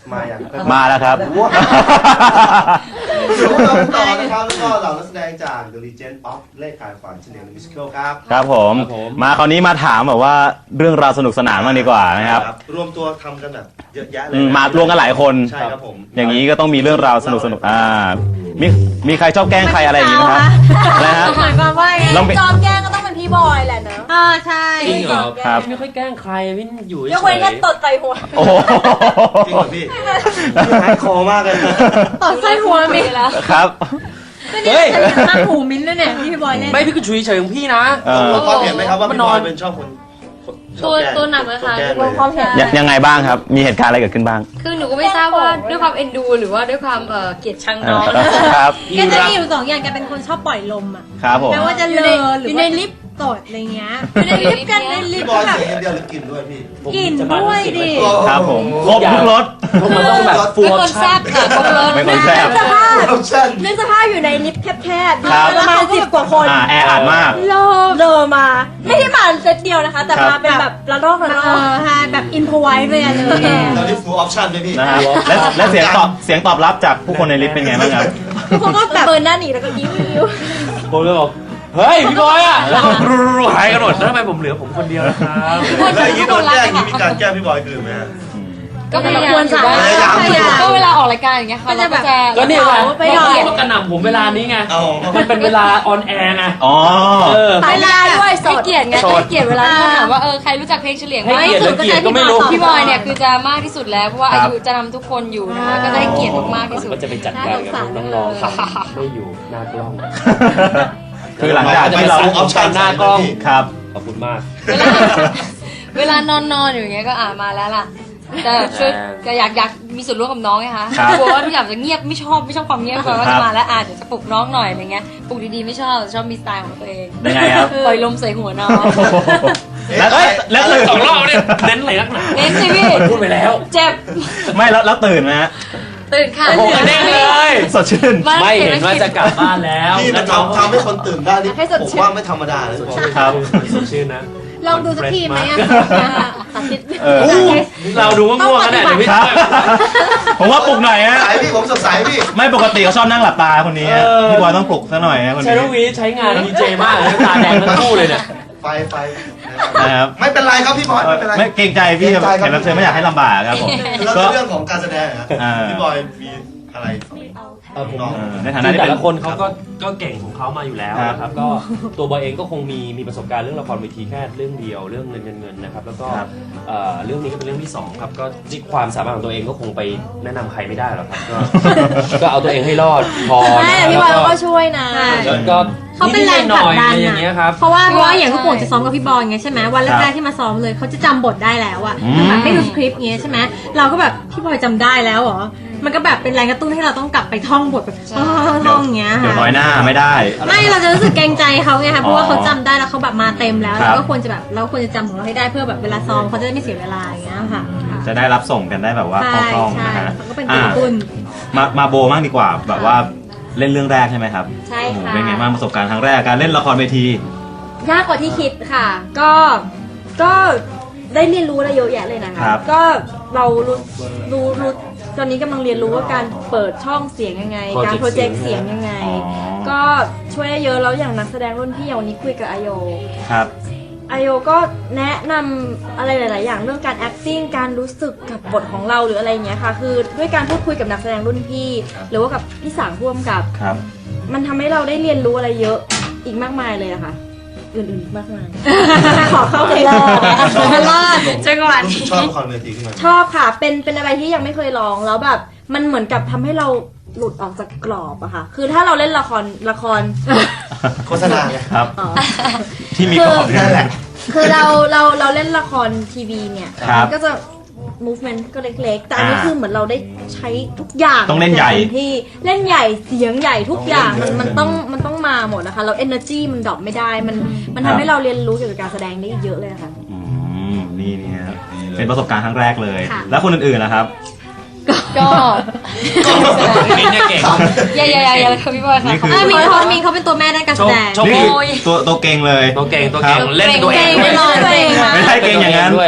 มาอย่างมาแล้วครับอยู่กับเราต่อนะครับแล้วก็เหล่านักแสดงจาก The Legend of เลขขายฝันเฉลียวมิวสิควลครับครับผมมาคราวนี้มาถามแบบว่าเรื่องราวสนุกสนานมากดีกว่านะครับรวมตัวทำกันแบบเยอะแยะเลยมารวมกันหลายคนใช่ครับผมอย่างนี้ก็ต้องมีเรื่องราวสนุกมีใครชอบแกล้งใครอะไรอย่างนี้ไหมครับอะไรฮะหมายความว่าไงลองไปจอมแกล้งก็ต้องเป็นพี่บอยแหละเนอะใช่จริงเหรอครับพี่ไม่ค่อยแกล้งใครพี่อยู่เฉยกเว้นแค่ยตดใส่หัวโอ้โหจริงเหรอพี่พี่หายคอมากเลยตดใส่หัวมีแล้วครับก็เนี่ยจะอย่างข้างหูมิ้นท์ด้วยเนี่ยที่พี่บอยเล่นไม่พี่ก็ชุยเฉยของพี่นะลงความเห็นไหมครับว่าพี่บอยเป็นชอบคนชอบแกล้งตัวหนักเลยค่ะชอบแกล้งลงความเห็นยังไงบ้างครับ มีเหตุการณ์อะไรเกิดขึ้นบ้างคือหนูก็ไม่ทราบว่าด้วยความเอ็นดูหรือว่าด้วยความเกลียดชังน้องครับแกจะมีอยู่สองอย่างแกเป็นคนชอบปล่อยลมอ่ะครับผมแม้ว่าจะเลอหรืออยู่ในลิฟต์ตดอะไรเงี้ยอยู่ในลิฟต์กันในลิพี่ฟต์บอยแบบเสียงเดียวหรือกินด้วยพี่กินด้วยดิครับผมครบทุกรสมันต้องแบบฟูลเป็นออคปนชั่แซ่นบค่ะครบรสเป็นคนแซ่บสภาพออปชั่นนึกสภาพอยู่ในลิฟต์แคบๆครับประมาณ10 กว่าคนแออัดมากเลอมา ไม่ได้มาเซตเดียวนะคะ แต่มาเป็นแบบระลอกใช่แบบอินพไวเลยอะเลยแกแล้วนี่ฟูลออปชั่นด้วยพี่นะครับและเสียงตอบรับจากผู้คนในลิฟต์เป็นไงบ้างครับทุกคนก็แบบเบิร์นหน้าหนีแล้วก็ยิ้มผมเลยบอกเฮ้ยพี่บอยอ่ะหายกันหมดแล้วทำไมผมเหลือผมคนเดียวนะครับแล้วอย่างนี้โดนแกล้งอย่างนี้มีการแกล้งพี่บอยคืนไหมฮะก็พยายามอยู่บ้างพยายามก็เวลาออกรายการอย่างเงี้ยค่ะเราก็จะก็นี่ไงไปหน่อยเขากระหน่ำผมเวลานี้ไงเอามันเป็นเวลาออนแอร์ไงอ๋อเวลาด้วยสให้ดเกียรติไงให้เกียรติเวลาที่ถามว่าใครรู้จักเพลงเฉลียงไหมให้เกียรติและเกียรติก็ไม่รู้พี่บอยเนี่ยคือจะมากที่สุดแล้วเพราะว่าครัอาบยุจะนำทุกคนอยู่นะคะก็จะให้เกียรติมากๆที่สุดก็จะไปจัดการกับน้องๆครับไม่อยู่หน้ากล้องคือหลังจากที่เราออปชั่นหน้ากล้องครับขอบคุณมากเวลานอนอยู่อย่างเงี้ยก็มาแล้วล่ะแต่ช่วยก็อยากมีส่วนร่วมกับน้องไงคะครับกลัวว่าทุกอย่างจะเงียบไม่ชอบความเงียบก่อนว่าจะมาแล้วเดี๋ยวจะปลุกน้องหน่อยอะไรเงี้ยปลุกดีๆไม่ชอบมีสไตล์ของตัวเองยังไงครับปล่อยลมใส่หัวน้องแล้วตื่นสองรอบเนี่ยเน้นอะไรนักหนาเน้นสิพี่พูดไปแล้วเจ็บไม่แล้วตื่นไหมฮะตื่นค่ะโอ้โหเด้งเลยสดชื่นไม่เห็นว่าจะกลับบ้านแล้วพี่มันทำให้คนตื่นได้นี่ผมว่าไม่ธรรมดาเลยครับสดชื่นนะลองดูสักทีไหมอะสาธิตเราดูว่าง่วงกันแน่เดี๋ยวพี่ครับ ผมว่าปลุกหน่อยฮะสายพี่ผมสดใสพี่ไม่ปกติเขาชอบนั่งหลับตาคนนี้ฮะพี่บอยต้องปลุกซะหน่อยฮะคนใช้นี้ลูกวีใช้งานดีเจมากเลยตาแดงทั้งคู่เลยเนี่ยไฟนะครับไม่เป็นไรครับพี่บอยไม่เป็นไรไม่เกรงใจพี่แขกรับเชิญไม่อยากให้ลำบากครับผมแล้วก็เรื่องของการแสดงอะพี่บอยมีอะไรผมในฐานะที่แต่เป็นละคนเขาก็เก่งของเขามาอยู่แล้วนะครับก็ตัวบอยเองก็คงมีประสบการณ์เรื่องละครเวทีแค่เรื่องเดียวเรื่องเงินนะครับแล้วก็เรื่องนี้ก็เป็นเรื่องที่สองครับก็ที่ความสามารถของตัวเองก็คงไปแนะนำใครไม่ได้หรอกครับก็เอาตัวเองให้รอดพอใช่พี่บอยเขาก็ช่วยนะก็เขาเป็นแรงผลักดันอะไรอย่างเงี้ยครับเพราะว่าอย่างลูกโป่งจะซ้อมกับพี่บอยไงใช่ไหมวันแรกๆที่มาซ้อมเลยเขาจะจำบทได้แล้วอะแบบไม่ดูสคริปต์เงี้ยใช่ไหมเราก็แบบพี่บอยจำได้แล้วเหรอมันก็แบบเป็นแรงกระตุ้นให้เราต้องกลับไปท่องบทแบบท่องอย่างเงี้ยเดี๋ยวน้อยหน้าไม่ได้ไม่เราจะรู้สึกเกรงใจเขาไงคะเพราะว่าเขาจำได้แล้วเขาแบบมาเต็มแล้วครับเราก็ควรจะแบบเราควรจะจำของเราให้ได้เพื่อแบบเวลาซ้อมเขาจะได้ไม่เสียเวลาอย่างเงี้ยค่ะจะได้รับส่งกันได้แบบว่าคใช่ล่องๆใช่นะฮะเขาก็เป็นตัวกระตุ้นมาโบมากดีกว่าแบบว่าเล่นเรื่องแรกใช่ไหมครับใช่ค่ะเป็นไงบ้างประสบการณ์ครั้งแรกการเล่นละครเวทียากกว่าที่คิดค่ะ ก็ได้เรียนรู้อะไรเยอะแยะเลยนะคะครับก็เรารู้ตอนนี้กำลังเรียนรู้ว่าการเปิดช่องเสียงยังไง การโปรเจกต์เสียงยังไงอ๋อก็ช่วยได้เยอะแล้วอย่างนักแสดงรุ่นพี่อย่างวันนี้คุยกับอโยครับอโยก็แนะนำอะไรหลาย ๆ อย่างเรื่องการ acting การรู้สึกกับบทของเราหรืออะไรอย่างเงี้ยค่ะ คือด้วยการพูดคุยกับนักแสดงรุ่นพี่ หรือว่ากับพี่สางพ่วงกับครับมันทำให้เราได้เรียนรู้อะไรเยอะอีกมากมายเลยอะค่ะ อื่นๆมากมาย ขอเข้าเลยจังหวะนี้ชอบละครเวทีขึ้นมาชอบค่ะ เป็นอะไรที่ยังไม่เคยลองแล้วแบบ มันเหมือนกับทำให้เราหลุดออกจากกรอบอะค่ะ คือถ้าเราเล่นละครโฆษณาไงครับ ที่มีกรอบนั่นแหละคือเราเล่นละครทีวีเนี่ยครับมันก็จะ movement ก็เล็กๆ แต่อันนี้คือเหมือนเราได้ใช้ทุกอย่างต้องเล่นใหญ่ที่เล่นใหญ่เสียงใหญ่ทุกอย่างมันต้องมาหมดนะคะแล้ว energy มันดรอปไม่ได้มันทำให้เราเรียนรู้เกี่ยวกับการแสดงได้เยอะเลยค่ะนี่ครับเป็นประสบการณ์ครั้งแรกเลยค่ะแล้วคนอื่นๆนะครับก็มินเนี่ยเก่งอย่าเลยค่ะพี่บอยค่ะนี่คือมินเขาเป็นตัวแม่ด้านการแสดงโชคนี่คือโอ้ยตัวเก่งเลยตัวเก่งเล่นตัวเองเก่งด้วยไม่รอดตัวเองนะไม่ใช่เก่งอย่างนั้นด้วย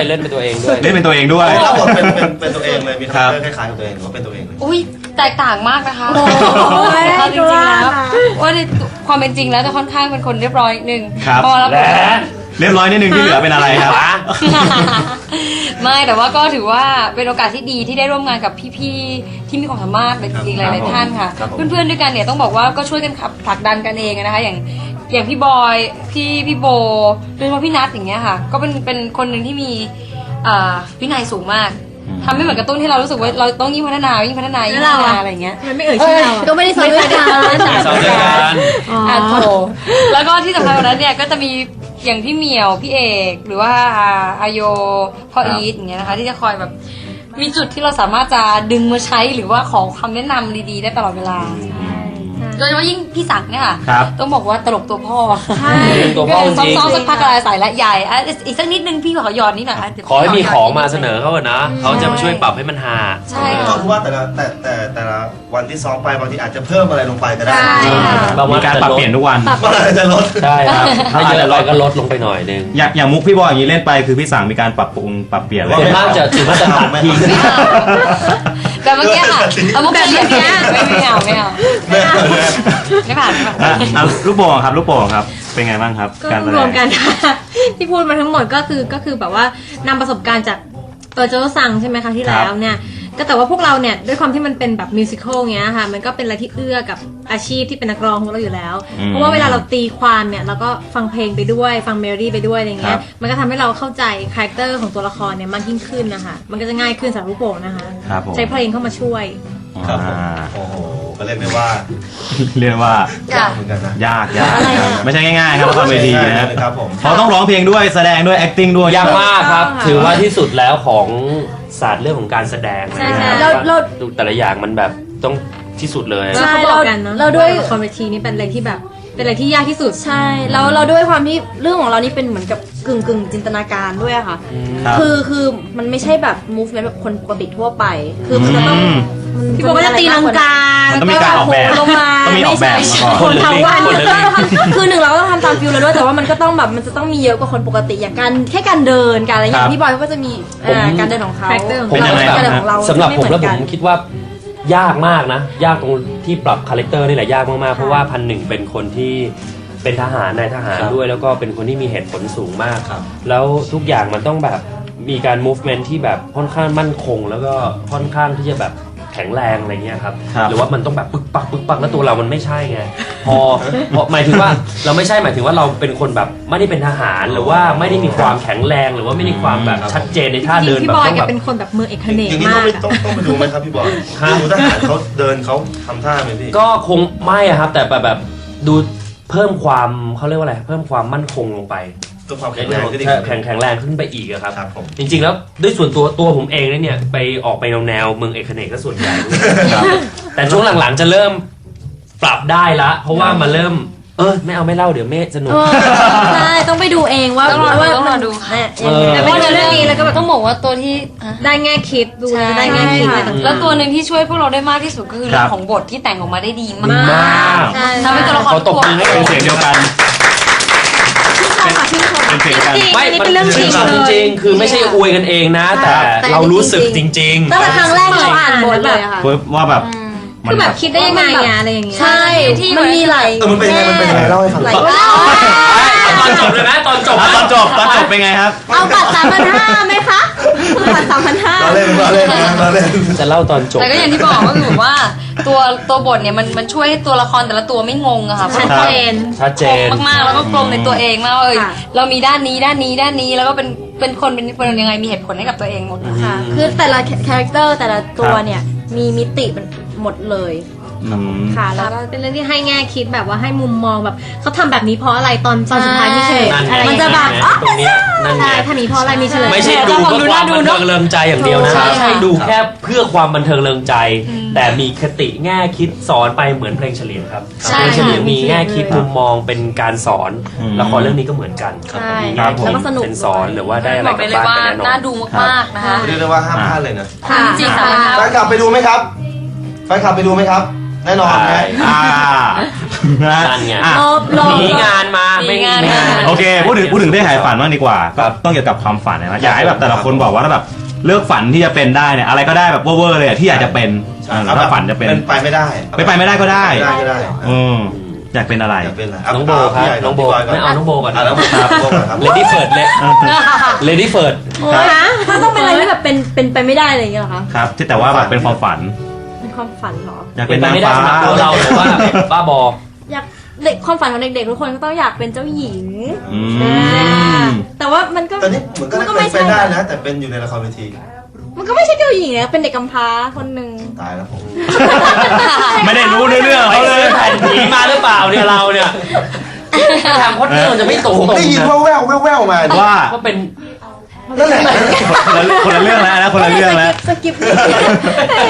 เล่นเป็นตัวเองด้วยเล่นเป็นตัวเองด้วยรับบทเป็นตัวเองเลยมีคาแรคเตอร์คล้ายๆกับตัวเองหรือว่าเป็นตัวเองเลยอุ้ยแตกต่างมากนะคะโอ้ยเอาจริงๆแล้วว่าว่าในความเป็นจริงแล้วจะค่อนข้างเป็นคนเรียบร้อยนิดนึงครับพอแล้วและเรียบร้อยนิดนึงที่เหลือเป็นอะไรครับไม่แต่ว่าก็ถือว่าเป็นโอกาสที่ดีที่ได้ร่วมงานกับพี่ๆที่มีความสามารถอีกหลายๆท่านค่ะครับผมเพื่อนๆด้วยกันเนี่ยต้องบอกว่าก็ช่วยกันขับผลักดันกันเองนะคะอย่างพี่บอยพี่โบโดยเฉพาะพี่นัทอย่างเงี้ยค่ะ ก็เป็นคนหนึ่งที่มีวินัยสูงมากทำให้เหมือนกระตุ้นที่เรารู้สึกว่าเราต้องยิ่งพัฒนาอะไรอย่างเงี้ยมันไม่เอ่ยชื่อเราอะก็ไม่ได้ซ้อมด้วยกันซ้อมด้วยกันอ่ะโถแล้วก็ที่สำคัญกว่านั้นเนี่ยก็จะมีอย่างพี่เหมียวพี่เอกหรือว่าอาโยพ่ออีทอย่างเงี้ยนะคะที่จะคอยแบบมีจุดที่เราสามารถจะดึงมาใช้หรือว่าขอคำแนะนำดีๆได้ตลอดเวลาโดยเฉพาะยิ่งพี่ศักดิ์เนี่ยค่ะครับต้องบอกว่าตลกตัวพ่อใช่ตัวพ่อจริงซ้อมๆสักพักอะไรใส่และใหญ่อ่ะอีกสักนิดนึงพี่ขอหยอดนิดหน่อยะเดี๋ยวขอให้มีของมาเสนอเขาเถอะนะเขาจะมาช่วยปรับให้มันฮาใช่ก็ค่ะคือว่าแต่ละวันที่ซ้อมไปบางทีอาจจะเพิ่มอะไรลงไปก็ได้ใช่ค่ะมีการปรับเปลี่ยนทุกวันมันอาจจะลดใช่ครับถ้าเยอะไปก็ลดลงไปหน่อยนึงอย่างมุกพี่บอยอย่างนี้เล่นไปคือพี่สั่งมีการปรับปรุงปรับเปลี่ยนอะไรส่วนมากจะถือว่าจะตัดทิ้งแต่เมื่อกี้ค่ะเอามุกแบบเนี้ยไม่เอาไม่ผ่านอ่ะลูกโป่งครับลูกโป่งครับ เป็นไงบ้างครับก็การแสดรวมงกัน ที่พูดมาทั้งหมดก็คือแบบว่านำประสบการณ์จากโจโจ้ซังใช่ไหมคะที่แล้วเนี่ยก็แต่ว่าพวกเราเนี่ยด้วยความที่มันเป็นแบบมิวสิควลเงี้ยค่ะมันก็เป็นอะไรที่เอื้อกับอาชีพที่เป็นนักร้องของเราอยู่แล้ว เพราะว่าเวลาเราตีความเนี่ยเราก็ฟังเพลงไปด้วยฟังเมโลดี้ไปด้วยอะไรเงี้ยมันก็ทำให้เราเข้าใจคาแรคเตอร์ของตัวละครเนี่ยมากยิ่งขึ้นนะคะมันก็จะง่ายขึ้นสำหรับลูกโป่งนะคะครับผมใช้เพลงเข้ามาช่วยครับผมอ่าโอ้โหก็เรียกได้ว่าเรียกว่ายากเหมือนกันนะยากไม่ใช่ง่ายๆครับละครเวทีนะครับผมเขาต้องร้องเพลงด้วยแสดงด้วย acting ด้วยยากมากครับค่ะถือว่าที่สุดแล้วของศาสตร์เรื่องของการแสดงใช่นะเราดูแต่ละอย่างมันแบบต้องที่สุดเลยใช่เขาบอกกันเนาะเราด้วยละครเวทีนี่เป็นอะไรที่แบบเป็นอะไรที่ยากที่สุดใช่แล้วเราด้วยความที่เรื่องของเรานี่เป็นเหมือนกับกึ่งจินตนาการด้วยอะค่ะครับคือมันไม่ใช่แบบ movement แบบคนปกติทั่วไป คือมันจะต้องพี่โบก็จะตีลังกามันต้องมีการออกแบบลงมาต้องมีออกแบบมาก่อนคนทั้งวันคนละลิงคือหนึ่งเราก็ต้องทำตามฟิลเราด้วยแต่ว่ามันก็ต้องแบบมันจะต้องมีเยอะกว่าคนปกติอย่างการแค่การเดินการอะไรอย่างพี่บอยเขาก็จะมีการเดินของเขา character ของผมเขาการเดินของเราสำหรับผมไเอนแล้วผกันมคิดว่ายากมากนะ ยากตรงที่ปรับคาแรคเตอร์นี่แหละยากมากๆเพราะว่า1,1เป็นคนที่เป็นทหารนายทหารด้วย แล้วก็เป็นคนที่มีเหตุผลสูงมากครับแล้วทุกอย่างมันต้องแบบมีการ movement ที่แบบค่อนข้างมั่นคง แล้วก็ค่อนข้างที่จะแบบแข็งแรงอะไรเงี้ยครับครับหรือว่ามันต้องแบบปึกปักแล้วตัวเรามันไม่ใช่ไงพอหมายถึงว่าเราไม่ใช่หมายถึงว่าเราเป็นคนแบบไม่ได้เป็นทหารหรือว่าไม่ได้มีความแข็งแรงหรือว่าไม่ได้ความแบบชัดเจนในท่าจริเดิงนๆพี่แบบบอยต้องแกแบบเป็นคนแบบมือเอกเนกอย่างนี้มากอะต้องไปดูไหมครับพี่บอยฮะดูทหารเขาเดินเขาทำท่าไหมพี่ก็คงไม่อะครับ แต่แบบดูเพิ่มความเขาเรียกว่าอะไรเพิ่มความมั่นคงลงไปตัวความแข็งแรงขึ้นอีกแข็งแรงขึ้นไปอีกอะครับครับผมจริงๆแล้วด้วยส่วนตัวผมเองเนี่ยไปออกไปแนวเมืองเอกเนกก็ส่วนใหญ่ด้วยแต่ช่วงหลังๆจะเริ่มปรับได้ละเพราะว่ามาเริ่มไม่เอาไม่เล่าเดี๋ยวไม่สนุกใช่ต้องไปดูเองว่าต้องรอดูเนี่ยยังไงแต่เป็นเรื่องนี้แล้วก็แบบต้องบอกว่าตัวที่ได้แง่คิดดูใช่ได้แง่คิดอะไรต่างๆแล้วตัวหนึ่งที่ช่วยพวกเราได้มากที่สุดก็คือครัเรื่อบ งของบทที่แต่งออกมาได้ดีมากมากใช่ทำให้ตัวละครเขาตบมือให้เป็นเสียงเดียวกัน เป็นเสียงเดียวกันไม่อันนี้เป็นเรื่องจริงจริงๆคือไม่ใช่อวยกันเองนะ แต่เรารู้สึกจริงตั้งแต่ครั้งแรกที่เราอ่านบทเลยอะค่ะว่าแบบคือแบบคิดได้ยังไงอะอะไรอย่างเงี้ยใช่มันมีหลายมันเป็นยังไงมันเป็นยังไงเล่าให้ฟังหลายตอนจบเลยไหมตอนจบตอนจบเป็นไงครับเอาบัตร3,500ไหมคะบัตร3,500 เราเล่นเราเล่นจะเล่าตอนจบแต่ก็อย่างที่บอกก็คือว่าตัวบทเนี่ยมันช่วยให้ตัวละครแต่ละตัวไม่งงอะค่ะชัดเจนชัดเจนมากๆแล้วก็กลมในตัวเองมากว่าเรามีด้านนี้แล้วก็เป็นคนยังไงมีเหตุผลให้กับตัวเองหมดค่ะคือแต่ละคาแรคเตอร์แต่ละตัวเนี่ยมีมิติมันหมดเลยค่ะแล้วก็เป็นเรื่องที่ให้แง่คิดแบบว่าให้มุมมองแบบเขาทำแบบนี้เพราะอะไรตอนสุดท้ายมีเฉลยนั่นไงอะไรมันจะแบบตรงเนี้ยนั่นไงใช่ถ้ามีเพราะอะไรมีเฉลยไม่ใช่ดูเพื่อความบันเทิงเริงใจอย่างเดียวนะใช่ไม่ใช่ดูแค่เพื่อความบันเทิงเริงใจ แต่มีคติแง่คิดสอนไปเหมือนเพลงเฉลียงครับใช่เพลงเฉลียงมีแง่คิดมุมมองเป็นการสอนอืมละครเรื่องนี้ก็เหมือนกันใช่มีครัแง่บผมคิดแล้วก็สนุกเป็นสอนหรือว่าได้อะไรบอกกไปลับเลยบ้านว่าไปแน่นอน่าน ดูมากๆนะคะเรียกได้ว่าห้ามพลาดเลยนะค่ะจริงๆค่ะแฟนคลับไปดูไหมครับแฟนคลับไปดูไหมครับ แน่นอนนะอ่านั่นไงอ่ะรอมีงานมาไม่มีงานไม่มาโอเคพูดถึงเพศหายฝันบ้างดีกว่าก็ต้องเกี่ยวกับความฝันนะอยากให้แบบแต่ละคนบอกว่าถ้าแบบเลือกฝันที่จะเป็นได้เนี่ยอะไรก็ได้แบบเวอร์ๆเลยอะที่อยากจะเป็นถ้าฝันจะเป็นไปไม่ได้ไปไม่ได้ก็ได้ได้ก็ได้อยากเป็นอะไรอยากเป็นอะไรน้องโบครับน้องโบไม่เอาน้องโบก่อนน้องโบครับโบก่อนครับเลดี้เฟิร์ดเลดี้เฟิร์ดมันต้องเป็นอะไรที่แบบเป็นไปไม่ได้อะไรอย่างเงี้ยเหรอคะครับที่แต่ว่าแบบเป็นความฝันเป็นความฝันเหรออยากเป็เป็น นไปนางไม่ได้ฟ้าสำหรับตัวเราแต่ว่าบ้าบออยากเด็กความฝันของเด็กๆทุกคนก็ต้องอยากเป็นเจ้าหญิงอืมแต่ว่ามันก็ตอนนี้เหมือนก็เป็นไปได้นะ แต่เป็นอยู่ในละครเวทีมันก็ไม่ใช่เจ้าหญิงนะเป็นเด็กกำพร้าคนหนึ่งตายแล้วผมไม่ได้รู้เรื่องไปเขาเลซื้อย แผ่นผีมาหรือเปล่าเนี่ยเราเนี่ยทางพจน์เนี่ยมันจะไม่ตรงผมได้ยินแว่วๆมาว่าก็เป็นนั่นแหละคนละเรื่องแล้วนะคนละเรื่องแล้วสกิป